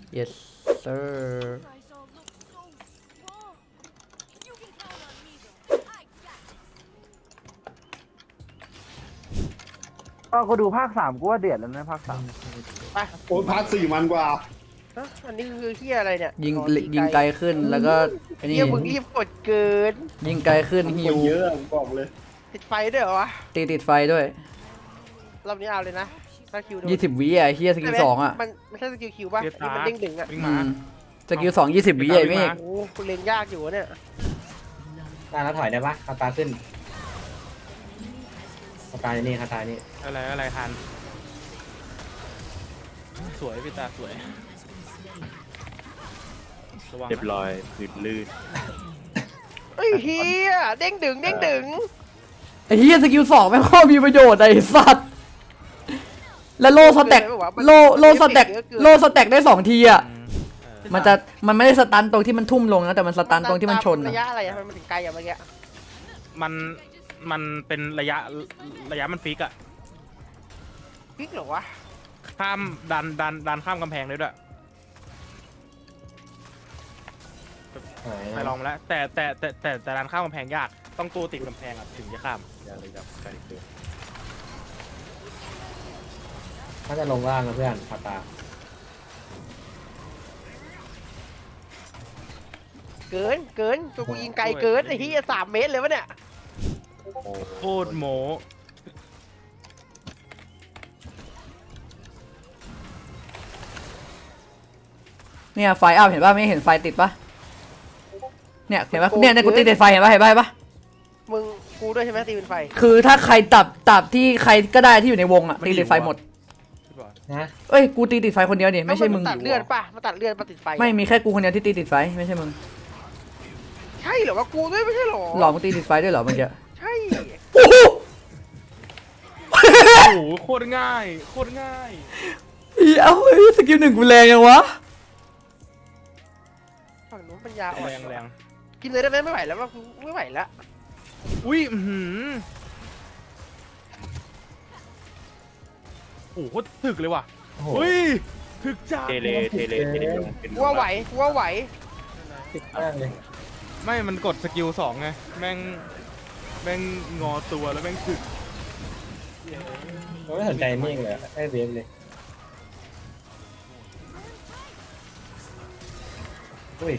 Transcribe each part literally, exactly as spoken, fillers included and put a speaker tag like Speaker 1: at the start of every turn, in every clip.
Speaker 1: yes sir
Speaker 2: ก็กูดูภาคสามกูว่าเดือดแล้วนะภาคสาม
Speaker 3: ไป
Speaker 4: โอ้ยพาร์ทสี่มันกว่า
Speaker 3: ฮะอันนี้คือเฮียอะไรเนี่ย
Speaker 1: ยิง
Speaker 3: อ๋อ
Speaker 1: ยิงไกลขึ้นแล้วก็ไอ้นี่
Speaker 3: เฮียมึงรีบกดเกิน
Speaker 1: ยิงไกลขึ้น
Speaker 4: มัน
Speaker 1: ฮิ
Speaker 4: ค
Speaker 1: วน
Speaker 4: เยอะผมบอกเลย
Speaker 3: ติดไฟด้วยเหรอวะ
Speaker 1: ตีติดไฟด้วย
Speaker 3: รอบนี้เอาเลยนะถ้าคิวโดน
Speaker 1: ยี่สิบวิอ่ะเฮียสกิลสองอ่ะ
Speaker 3: มันไม่ใช่สกิลคิวป่ะที่มันเด้งดึงอ่ะ
Speaker 5: วิ่ง
Speaker 1: อื
Speaker 5: มาม
Speaker 1: สกิลสองยี่สิบวิไอ้เมฆ
Speaker 3: โอ้โหคุณเล่นยากอยู่วะเนี่ย
Speaker 6: ตาแล้วถอยได้ปะคาตาขึ้นคาตานี่คาตานี่
Speaker 5: อะไรอะไรทันสวยพี่ตาสวยระวัง
Speaker 7: เรียบร้อยพื้นลื่น
Speaker 3: เฮ้ยเฮียเด้งดึงเด้งดึง
Speaker 1: ไอ้เฮียสกิลสองแม่งโคตรมีประโยชน์ไอ้สัตว์แล้วโลสแต็กโลโลสแต็กโลสแต็กได้สองทีอ่ะ
Speaker 5: อืมเออ
Speaker 1: มันจะมันไม่ได้สตันตรงที่มันทุ่มลงนะแต่มันสตันตรงที่มันชน
Speaker 3: ระ
Speaker 1: อะ
Speaker 3: ยะอะไรอะมันถึงไกลอะเมื่อกี้
Speaker 5: มันมันเป็นระยะระยะมันฟิกอะ
Speaker 3: พลิกเหรอวะ
Speaker 5: ข้ามดันดันดันข้ามกำแพงเลยด้วย
Speaker 6: หาย
Speaker 5: ไปลองมาแล้วแต่แต่แต่แต่แต่ดันข้ามกำแพงยากต้องตัวติดกำแพงอะถึงจะข้าม
Speaker 7: อย่าเลยครับไกลเกิน
Speaker 6: ถ้าจะลงล่างนะเพื่อนคาตา
Speaker 3: เกินเกินตัวกูยิงไกลเกินไอ้เฮียสามเมตรเลยวะเนี่ย
Speaker 7: โอ้
Speaker 5: โคตรโม
Speaker 1: เนี่ยไฟอัพเห็นป่ะไม่เห็นไฟติดป่ะเนี่ยเห็นป่ะเนี่ยเนี่ยกูตีติดไฟเห็นป่ะเห็นป่ะเห็นป่ะ
Speaker 3: มึงกูด้วยใช่ไหมตีเป็นไฟ
Speaker 1: คือถ้าใครตับตับที่ใครก็ได้ที่อยู่ในวงอะตีติดไฟหมด
Speaker 5: พี่บอล
Speaker 6: นะ
Speaker 1: เอ้ยกูตีติดไฟคนเดียวนี่ไม่ใช่มึง
Speaker 3: นตัดเลือดป่ะมาตัดเลือดมาติดไฟ
Speaker 1: ไม่มีแค่กูคนเดียวที่ตีติดไฟไม่ใช่มึง
Speaker 3: ใช่เหรอวะกูด้วยไม่ใช่เหรอ
Speaker 1: หลอกมึงตีติดไฟด้วยเหรอเมื่อกี้
Speaker 3: ใช่
Speaker 1: โอ้โห
Speaker 5: โอ้โหโคตรง่ายโคตรง่าย
Speaker 1: เอ้าเฮ้ยสกิลหนึ่งกูแรงยังวะ
Speaker 3: ฝั่งนู้นปัญญาอ่อน
Speaker 5: แรงแรง
Speaker 3: กินเลยได้ไหมไม่ไหวแล้วว่ากูไม่ไหวแล้ว
Speaker 5: อุ้ยอื้อหือโอ้โหโคตรถึกเลยว่ะ
Speaker 6: โอ้โห
Speaker 5: อุ้ยถึกจัด
Speaker 7: เทเลเทเลเทเลลงเป็น
Speaker 3: กูว่าไหวกูว่าไหว
Speaker 6: ติดมากเลย
Speaker 5: ไม่มันกดสกิลสองไงแม่งแม่งงอตัวแล้วแม่งถึก
Speaker 6: เราไม่สนใจเมฆเลยไอ้เวฟเลยอุ้ย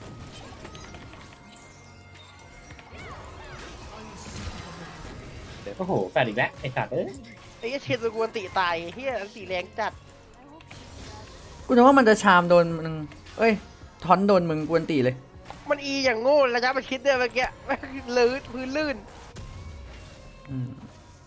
Speaker 6: โอ้โหแฟดอีกแล้วไอ้สัตว์เอ้ย
Speaker 3: ไอ้เหี้ยเชนตัวกูอันติตายเฮียอันติแรงจัด
Speaker 1: กูนึกว่ามันจะชามโดนมึงเอ้ยทอนโดนมึงกวนตีเลย
Speaker 3: มันอีอย่างโง่ระยะมันคิดเนี่ยเมื่อกี้ลื่นพื้นลื่น
Speaker 1: อืม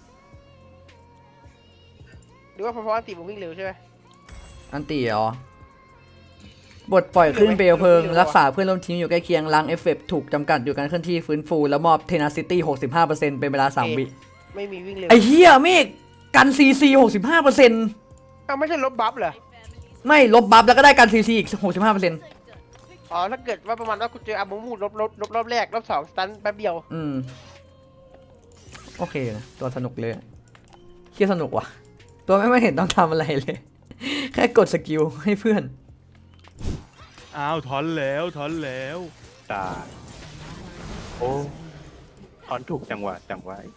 Speaker 3: หรือว่าเพราะอันติมึงวิ่งเร็วใช่ไหม
Speaker 1: อันตีเหรอบทปล่อยขึ้นเปลวเพลิงรักษาเพื่อนร่วมทีมอยู่ใกล้เคียงล้างเอฟเฟกต์ถูกจำกัดอยู่การเคลื่อนที่ฟื้นฟูแล้วมอบเทนาซิตี้หกสิบห้าเปอร์เซ็นต์เป็นเวลาสามวิ
Speaker 3: ไม่มีวิ่งเร็ว
Speaker 1: ไอ้เหี้ยเมฆกันซีซีหกสิบห้าเปอร์เซ็นต์
Speaker 3: อ้าวไม่ใช่ลบบัฟเหรอ
Speaker 1: ไม่ลบบัฟแล้วก็ได้กันซีซีอีกหกสิบห้าเปอร์เซ็นต์
Speaker 3: อ๋อถ้าเกิดว่าประมาณว่ากูเจออามูมูลบลบลบรอบแรกรอบสองสตันแป๊บเดียว
Speaker 1: อืมโอเคนะตัวสนุกเลยเคียสนุกว่ะ ตัวไม่ไม่เห็นต้องทำอะไรเลย แค่กดสกิลให้เพื่อน
Speaker 5: อ้าวถอนแล้วถอนแล้ว
Speaker 7: ตาโอ้ถอนถูกจังหวะจังหวะ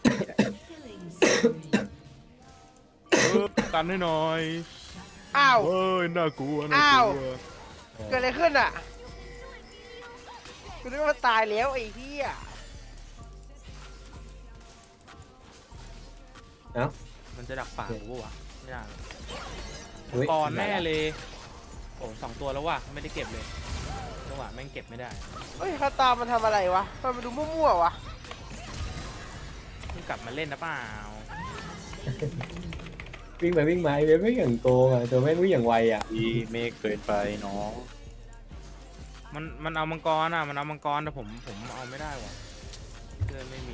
Speaker 5: เออกันให้หน่อย
Speaker 3: อ้าว
Speaker 5: เฮ้ยน่ากลัวน่า
Speaker 3: อ้าว
Speaker 5: กลัว
Speaker 3: เกิดอะไรขึ้นอ่ะกูนึกว่ามันตายแล้วไอ้เหี้ย
Speaker 6: เอ้า
Speaker 5: มันจะดักปากกูปะวะไม่ได้
Speaker 6: อุ๊ย
Speaker 5: ก่อนแน่เลยโอ้สองตัวแล้วว่ะไม่ได้เก็บเลยจังหวะแม่งเก็บไม่ได้
Speaker 3: เฮ้ยคาตามันทำอะไรวะมันมาดูมั่วๆวะ
Speaker 5: มึงกลับมาเล่นนะเปล่า
Speaker 6: วิ่งไปวิ่งมาไอ้เวฟไม่อย่างโกงอ่ะตัวแม่งวิ่งอย่างไวอ่ะ
Speaker 7: ดีเมฆเกินไปน้อง
Speaker 5: มันมันเอามังกรอ่ะมันเอามังกรแต่ผมผมเอาไม่ได้ว่ะเลื่อนไม่มี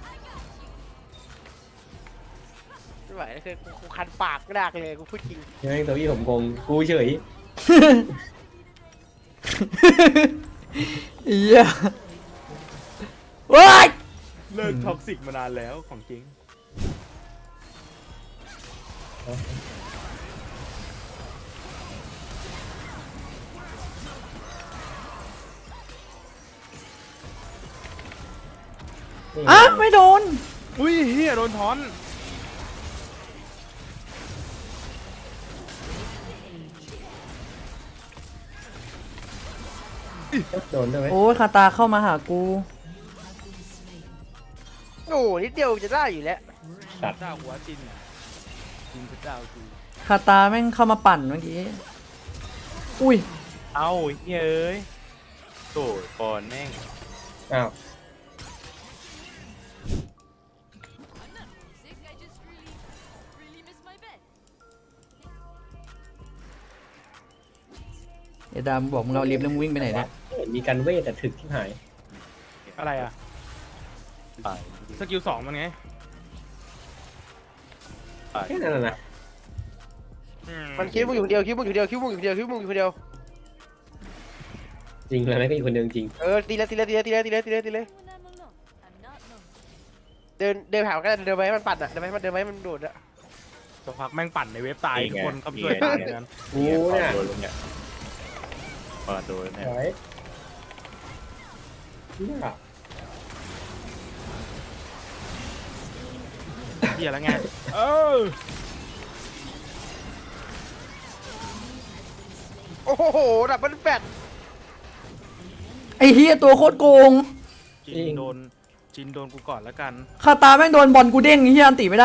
Speaker 3: ไม่ไหวแล้วคือกูกูคันปากกระดากเลยกูพูดจริง
Speaker 6: ยังไงตัวอี้ผมโกงกูเฉย
Speaker 1: เหี้ยว้าย
Speaker 5: เลิกท็อกซิกมานานแล้วของจริง
Speaker 6: นี่
Speaker 1: อ่ะไม่โดน
Speaker 5: อุ้ยเฮียโดนถอน
Speaker 6: โดนด้วยไหม
Speaker 1: โอ้ยคาตาเข้ามาหากู
Speaker 3: โอ้นิดเดียวจะได้อยู่แล้ว
Speaker 6: สัตว์
Speaker 5: เจ้าหัวจินน่ะจินพระเจ้าคือ
Speaker 1: คาตาแม่งเข้ามาปั่นเมื่อกี้ อุ้ย
Speaker 7: เอ้าเฮ้ยเอ้ยโถ่ปอนแม่ง
Speaker 6: อ้าว
Speaker 8: Sick, I just really, really miss my bed.
Speaker 1: เอดามบอกมึงเราลิฟต์แล้วมึงวิ่งไปไหนเนี่ย
Speaker 6: เห็นมีการเวทแต่ถึกที่หาย
Speaker 5: อะไรอ่ะ
Speaker 7: ตาย
Speaker 5: สกิลสองมันไง
Speaker 7: ตาย
Speaker 6: แค่นั้นนะนะ
Speaker 3: มันคิดมึงอยู่คนเดียวคิดมึงอยู่คนเดียวคิดมึงอยู่คนเดียวคิดมึงอยู่คนเดียว
Speaker 6: จริงเลยไหมก็อยู่คนเดียวจริง
Speaker 3: เออตีเลยตีเลยตีเลยตีเลยตีเลยตีเลยตีเลย
Speaker 8: When I'm alone, I'm not lonely.
Speaker 3: เดินเดินผ่านก็ได้เดินไปให้มันปัดอ่ะเดินไปให้มันเดินไปให้มันโดดอ่ะ
Speaker 5: สักพักแม่งปั่นในเว็บตายทุกคนก็ช่วยตายกัน
Speaker 6: กู
Speaker 7: เนี่
Speaker 6: เนี่ย
Speaker 7: โดนลงเนี่ยปอนโดนเนี่ย
Speaker 6: ไหวเนี่ย
Speaker 5: เฮียแล้วไงเออ
Speaker 3: โอ้โหดับเบิลแฟต
Speaker 1: ไอ้เฮียตัวโคตรโกง
Speaker 5: จินโดนจินโดนกูก่อนแล้วกัน
Speaker 1: คาตาแม่งโดนบอลกูเด้งไอ้เฮียอันติไม่ได้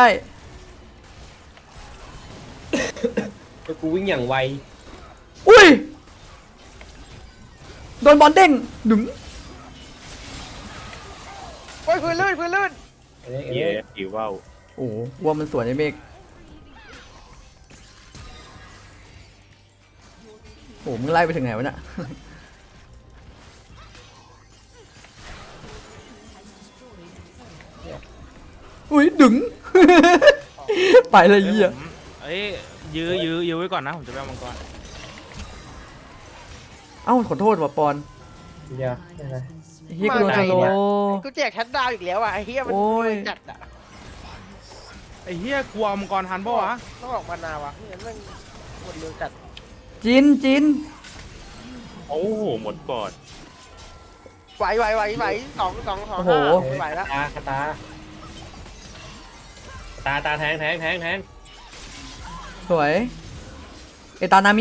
Speaker 6: แล้วกูวิ่งอย่างไว
Speaker 1: อุ้ย โดนบอลเด้งดึง
Speaker 3: โอ้ยพื้นลื่นพื้นลื่น
Speaker 6: ไอ้เล็กไอ้
Speaker 7: เย้
Speaker 6: เล็ก
Speaker 7: หิวว่าว
Speaker 1: โอ้โหว่ามันสวนไอ้เมฆโอ้โหมึงไล่ไปถึงไหนวะเนี่ย อุ้ยดึง ไปเลยเหี้ย
Speaker 5: ผมเอ้ยยื้อยื้อยื้อไว้ก่อนนะผมจะไปเอามังกร
Speaker 1: เอ้าขอโทษว่ะปอน
Speaker 6: เดี๋ยวไม่เป็นไร
Speaker 1: เฮียกูโดนสโลว์
Speaker 3: กูแจกชัดดาวน์อีกแล้วอ่ะไอ้เฮียมัน
Speaker 1: โอ้ย
Speaker 3: จัดอ่ะ
Speaker 5: ไอ้เฮียกลัวมังกรทันปะวะ
Speaker 3: ต้องออกมานาวะนี่มันหมดเร็วจัด
Speaker 1: จินจิน
Speaker 7: โอ้โหหมดก่อน
Speaker 3: ไหวไหวไหวไหวสองสองสอง
Speaker 1: โอ้โห
Speaker 3: ห้าไหวแล้ว
Speaker 6: ตาตาตาตาแทงแทงแทงแทง
Speaker 1: สวย เอตานามิ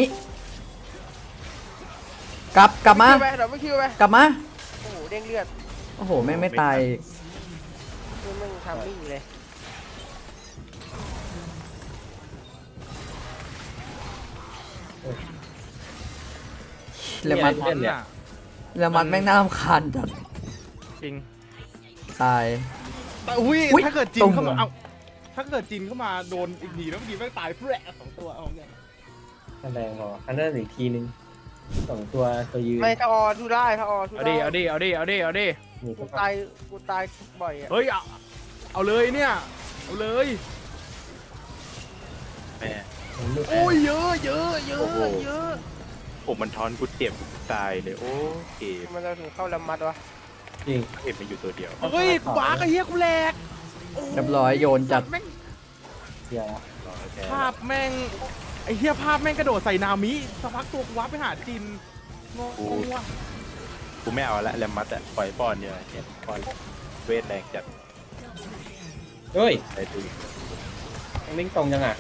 Speaker 1: กลับกลับมา
Speaker 3: คิวไปเดี๋ยวไม่คิวไป
Speaker 1: กลับมา
Speaker 3: โอ้โหเด้งเลือด
Speaker 1: โอ้โหแม่งไม่ตายอีก
Speaker 3: นี่มึงทำมิ่งเลย
Speaker 1: แล้วมัน
Speaker 5: ถอนอ่ะ
Speaker 1: แล้วมันแม่งน่ารำคาญจัด
Speaker 5: จริง
Speaker 1: ตาย
Speaker 5: แต่อุ้ย
Speaker 1: อุ๊ย
Speaker 5: ถ้าเกิดจิ
Speaker 1: ตร
Speaker 5: น
Speaker 1: ง
Speaker 5: เข้ามา
Speaker 1: หัว
Speaker 5: เอาถ้าเกิดจินเข้ามาโดนอีกทีแล้วเมื่อกี้แม่งตายแปะสองตัวเอาไง
Speaker 6: แรงพออันนั้นอีกทีนึงสองตัวตัวยืน
Speaker 3: ไม่ถ้าออทูได้ถ้าออทู
Speaker 5: เอา
Speaker 3: ได้
Speaker 5: ดิเอาดิเอาดิเอาดิเอาดิ
Speaker 6: นี่
Speaker 3: กู
Speaker 6: ก็
Speaker 3: ตายกูตายบ่อยอ่ะ
Speaker 5: เฮ้ยเอาเอาเลยเนี่ยเอาเลย
Speaker 7: แม่
Speaker 5: โอ้ยเยอะเยอะเยอะ
Speaker 7: โอ้โห
Speaker 5: เยอะ
Speaker 7: ผมมันทอนกูเจ็บกูตายเลยโอ้เกม
Speaker 3: มันจะถึงเข้าลำมัดวะ
Speaker 6: จริง
Speaker 7: เห็นมันอยู่ตัวเดียว
Speaker 5: เฮ้ยกูบ้าไอ้เหี้ยกูแหลกโอ้โห
Speaker 1: เรียบร้อยโยนจัด
Speaker 5: แม่ง
Speaker 6: เดี๋ยว
Speaker 7: รอแค่
Speaker 5: ภาพแม่งไอ้เหี้ยภาพแม่งกระโดดใส่นามิสักพักตัวกูวับไปหาจินงงว่ะ
Speaker 7: กูไม่เอาละแรมมัดอะปล่อยป้อนเนี่ยเนี่ยป้อนเวทแรงจัด
Speaker 6: เฮ้ย
Speaker 7: ไปดู
Speaker 6: ลิงตรงจังอ่ะ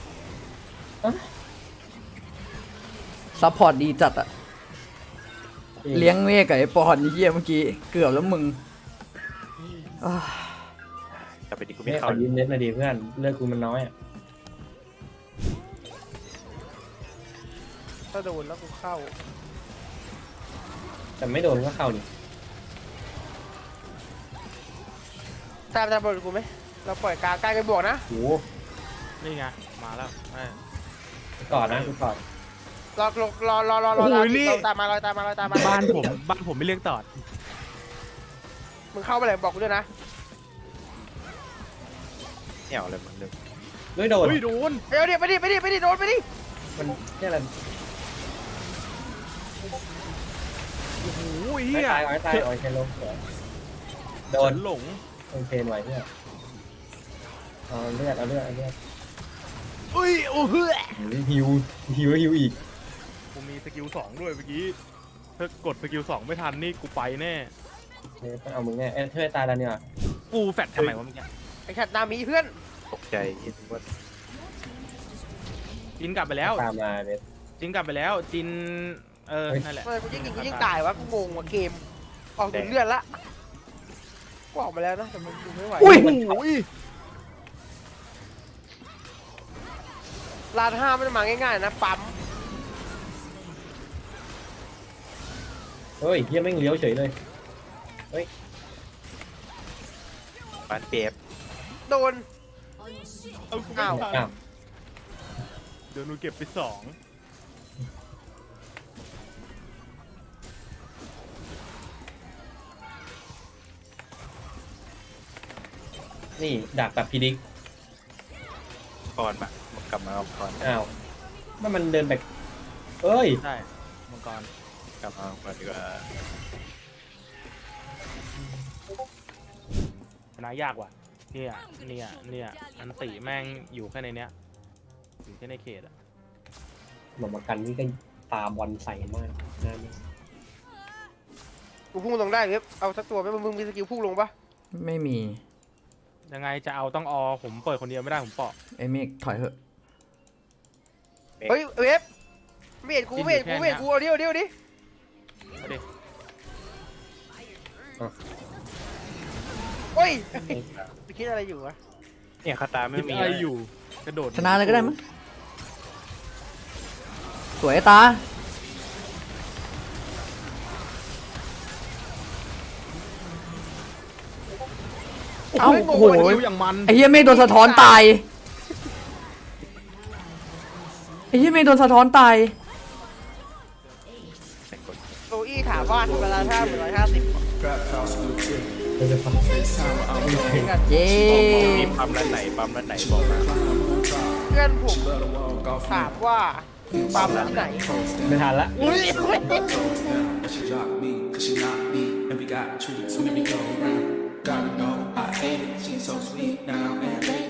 Speaker 1: ซัพพอร์ตดีจัดอะเลี้ยงเมฆกับไอ้ปอนไอ้เหี้ยเมื่อกี้ เกือบแล้วมึงอ้าว
Speaker 7: แต่ไปดิกู
Speaker 6: ไม่
Speaker 7: ไม่
Speaker 6: ขอ
Speaker 7: เข้า
Speaker 6: ยืมเน็ตมาดีเพื่อนเลือดกูมันน้อยอ่ะ
Speaker 3: ถ้าโดนแล้วกูเข้า
Speaker 6: แต่ไม่โดนก็เข้านี่
Speaker 3: ตามตามบอลกูไหมเราปล่อยกลางใกล้กันบวกนะ
Speaker 6: โอ้
Speaker 5: นี่ไงมาแล้วแม่
Speaker 6: กูกอดนะกูกอด
Speaker 3: รอรอรอรอรอรอ
Speaker 5: โอ้ยนี่
Speaker 3: ตามมารอตามมารอตามมา
Speaker 5: บ้านผมบ้านผมไม่เลี้ยงตอด
Speaker 3: มึงเข้าไปเลยบอกกูด้วยนะ
Speaker 7: เนี่ยเอาอะไรมันเลย
Speaker 6: ไม่โดน
Speaker 5: เฮ้ยโดน
Speaker 3: เดี๋ยวเดี๋ยวไปดิไปดิไปดิโดนไปดิ
Speaker 6: มันเนี่ยอะไร
Speaker 5: โอ้โห
Speaker 6: ไม่
Speaker 5: เฮีย
Speaker 6: ตายไม่ตายโอ้ยเชนลงโดน
Speaker 5: ฉัหลง
Speaker 6: โดนเชนไว้เนี่ยเอาเลือดเอาเลือดเอาเลือด
Speaker 5: เอ้ยโอ้โห
Speaker 6: ฮิวฮิวฮิวอีก
Speaker 5: กูมีสกิลสองด้วยเมื่อกี้ถ้ากดสกิลสองไม่ทันนี่กูไปแน่
Speaker 6: เนี่ยต้องเอามึงแน่เอ้ยเธอตายแล้วเนี่ย
Speaker 5: กูแฟดทำไมวะเมื่อกี้
Speaker 3: ไอ้ชัดนามีเพื่อน
Speaker 7: ตกใจคิดว่า
Speaker 5: จินกลับไปแล้ว
Speaker 6: ตามมาเบส
Speaker 5: จินกลับไปแล้วจินเออ
Speaker 6: เฮ้ย
Speaker 5: นั่นแหละ
Speaker 3: ทำไมกูยิ่งยิงกูยิ่งตายวะกูงงว่ะเกมออกถึงเลือดละกูออกมาแล้วนะแต่มันดูไม่ไหว
Speaker 1: อุ้ย
Speaker 3: ลานห้าไม่ได้มาง่ายๆนะปั๊ม
Speaker 6: เฮ้ยเฮียแม่งเลี้ยวเฉยเลย
Speaker 7: ปานเปียบ
Speaker 3: โดน
Speaker 5: เอากู
Speaker 3: อ้าว
Speaker 6: อ้าว
Speaker 5: เดี๋ยวหนูเก็บไปสอง
Speaker 6: นี่ดักแบบพีดิก
Speaker 7: ก่อนมากลับมาเอาก่อน
Speaker 6: อ้าวมันมันเดินแบบเอ้ย
Speaker 5: ใช่มังกร
Speaker 7: กลับมาเอาก่อนดีกว่า
Speaker 5: ชนะยากว่ะเนี่ยเนี่ยเนี่ยอันติแม่งอยู่แค่ในเนี้ยอยู่แค่ในเขตอะ
Speaker 6: หมอมากันนี่ก็ตาบอลใส่มากน่าเนี่ย
Speaker 3: กูพุ่งลงได้เว็บเอาสักตัวไหมมึงมีสกิลพุ่งลงปะ
Speaker 1: ไม่มี
Speaker 5: ยังไงจะเอาต้องอผมเปิดคนเดียวไม่ได้ผมเปาะ
Speaker 1: ไอ้เมฆถอยเถอะ
Speaker 3: เฮ้ยเว็บไม่เห็นกูไม่เห็นกูไม่เห็นกูเอาดิเอาดิเอาดิ
Speaker 5: เอาดิ
Speaker 3: โอ้ยไปคิดอะไรอยู่วะ
Speaker 7: เนี่ยคาตาไม่มี
Speaker 5: อะไรอยู่กระโดด
Speaker 1: ชนะเลยก็ได้มั้งสวยตา เอ้าโอ้โห
Speaker 5: อย่างมัน
Speaker 1: ไอ้เหี้ยเมฆโดนสะท้อนตาย ไอ้เหี้ยเมฆโดนสะท้อนตาย
Speaker 3: โซอี้ถามว่าเวลาท่าหนึ่งร้อยห้าสิบ
Speaker 6: เดี๋ยวจะฟัง
Speaker 1: เย้
Speaker 7: มีปั๊มร้านไหนปั๊มร้านไหนบอกมา
Speaker 3: เพื่อนผมถามว่าปั๊มที่ไหน
Speaker 6: ไม่ทันละ
Speaker 9: She dropped me, cause she not me, and we got treats, so maybe go round. Gotta know, I hate it, she's so sweet now, and